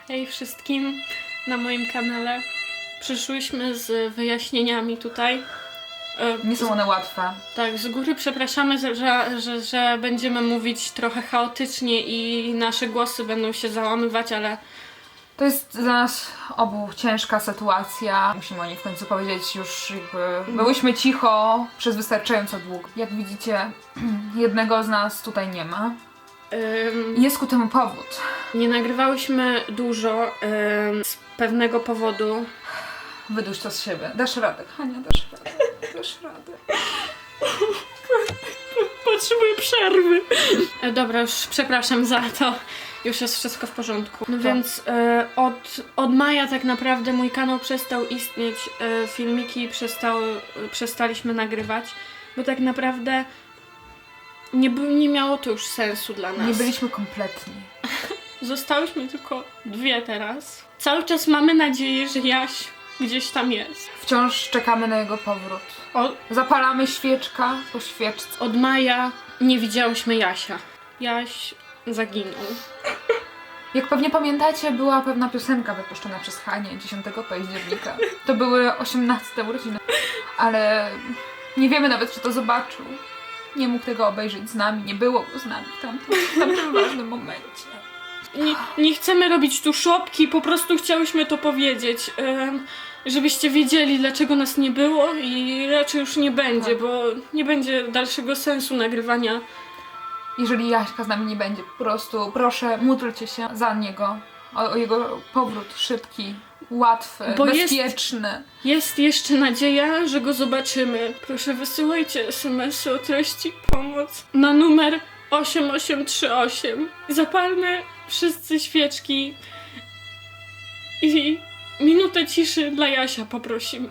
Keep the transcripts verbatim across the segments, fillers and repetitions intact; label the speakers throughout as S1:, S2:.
S1: Hej wszystkim na moim kanale. Przyszłyśmy z wyjaśnieniami tutaj.
S2: Nie są one łatwe.
S1: Tak, z góry przepraszamy, że, że, że będziemy mówić trochę chaotycznie i nasze głosy będą się załamywać, ale
S2: To jest dla nas obu ciężka sytuacja. Musimy o niej w końcu powiedzieć już jakby... Byłyśmy cicho przez wystarczająco długo. Jak widzicie, jednego z nas tutaj nie ma.
S1: ym,
S2: Jest ku temu powód.
S1: nie nagrywałyśmy dużo ym, z pewnego powodu.
S2: Wyduś to z siebie. Dasz radę, Hania, dasz radę. Dasz radę.
S1: Potrzebuję przerwy. E, dobra, już przepraszam za to. Już jest wszystko w porządku. No więc e, od, od maja tak naprawdę mój kanał przestał istnieć. E, filmiki przestały, e, przestaliśmy nagrywać, bo tak naprawdę nie, by- nie miało to już sensu dla nas.
S2: Nie byliśmy kompletni.
S1: Zostałyśmy tylko dwie teraz. Cały czas mamy nadzieję, że Jaś gdzieś tam jest.
S2: Wciąż czekamy na jego powrót.
S1: O,
S2: Zapalamy świeczka po świeczce.
S1: od maja nie widziałyśmy Jasia. Jaś zaginął.
S2: Jak pewnie pamiętacie, była pewna piosenka wypuszczona przez Hanię dziesiątego października. To były osiemnaste urodziny. Ale nie wiemy nawet, czy to zobaczył. Nie mógł tego obejrzeć z nami, nie było go z nami w tamtym, w tamtym ważnym momencie.
S1: Nie, nie chcemy robić tu szopki, po prostu chciałyśmy to powiedzieć, em, żebyście wiedzieli, dlaczego nas nie było i raczej już nie będzie,
S2: Tak.
S1: bo nie będzie dalszego sensu nagrywania.
S2: Jeżeli Jaśka z nami nie będzie, po prostu proszę, módlcie się za niego. O, o jego powrót szybki, łatwy,
S1: Bo jest-
S2: bezpieczny.
S1: Jest jeszcze nadzieja, że go zobaczymy. Proszę wysyłajcie es em esy o treści pomoc na numer osiem osiem trzy osiem. Zapalmy wszyscy świeczki i minutę ciszy dla Jasia poprosimy.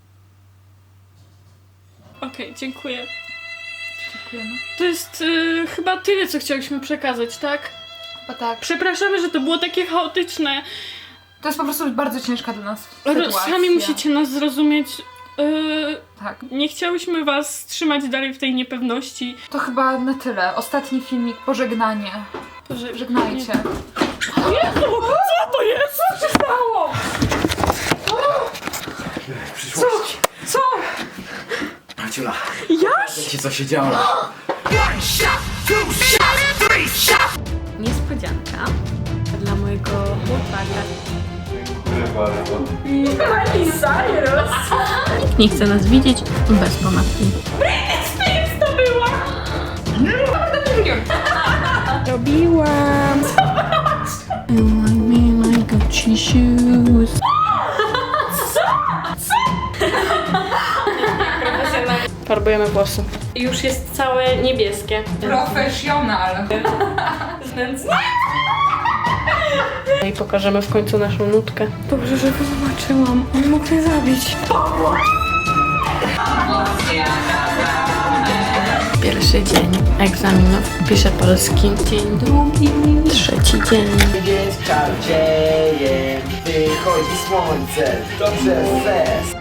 S1: Okej, dziękuję.
S2: Dziękujemy.
S1: To jest y, chyba tyle, co chciałyśmy przekazać, tak?
S2: Bo tak,
S1: Przepraszamy, że to było takie chaotyczne.
S2: to jest po prostu bardzo ciężka dla nas
S1: Ro-
S2: sytuacja.
S1: Sami musicie nas zrozumieć. Y,
S2: Tak.
S1: nie chciałyśmy was trzymać dalej w tej niepewności.
S2: To chyba na tyle. Ostatni filmik, pożegnanie.
S1: Że,
S2: Żegnajcie.
S1: Jezu, co to jest?
S2: Co się stało?
S3: Przyszłość.
S2: Co?
S3: Marciula,
S1: Jaś?
S3: ci co się działo.
S1: Niespodzianka dla mojego chłopaka. Nikt nie chce nas widzieć bez pomadki. Britney Spears to była! Robiłam! You like me like Gucci shoes. Farbujemy włosy. Już jest całe niebieskie.
S2: Profesjonal.
S1: I pokażemy w końcu naszą nutkę. Dobrze, że go zobaczyłam. On mógł mnie zabić. Pierwszy dzień egzaminów. Piszę polski. Dzień drugi. Trzeci dzień.
S3: Jest czarcieje, wychodzi słońce, dobrze fest.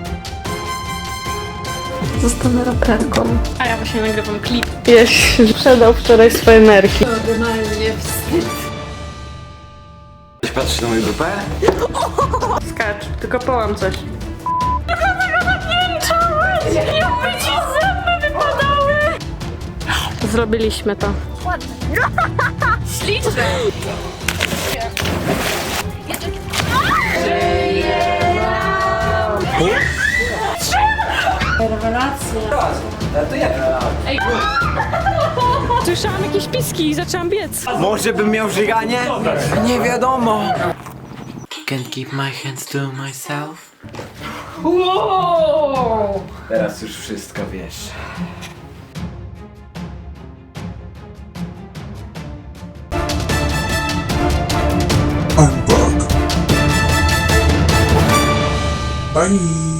S1: Zostanę raperką. A ja właśnie nagrywam klip. Jaś sprzedał wczoraj swoje nerki.
S2: Normalnie wstyd.
S3: Ktoś patrzy na moją grupę?
S1: Skacz, tylko połam coś. Jakby ci zęby wypadały! Zrobiliśmy to.
S4: Śliczne!
S3: To jak?
S1: Słyszałam jakieś piski i zaczęłam biec.
S3: Może bym miał żyganie? Nie wiadomo. Can't keep my hands to myself.
S2: Wow!
S3: Teraz już wszystko wiesz.
S5: I'm back. Bye.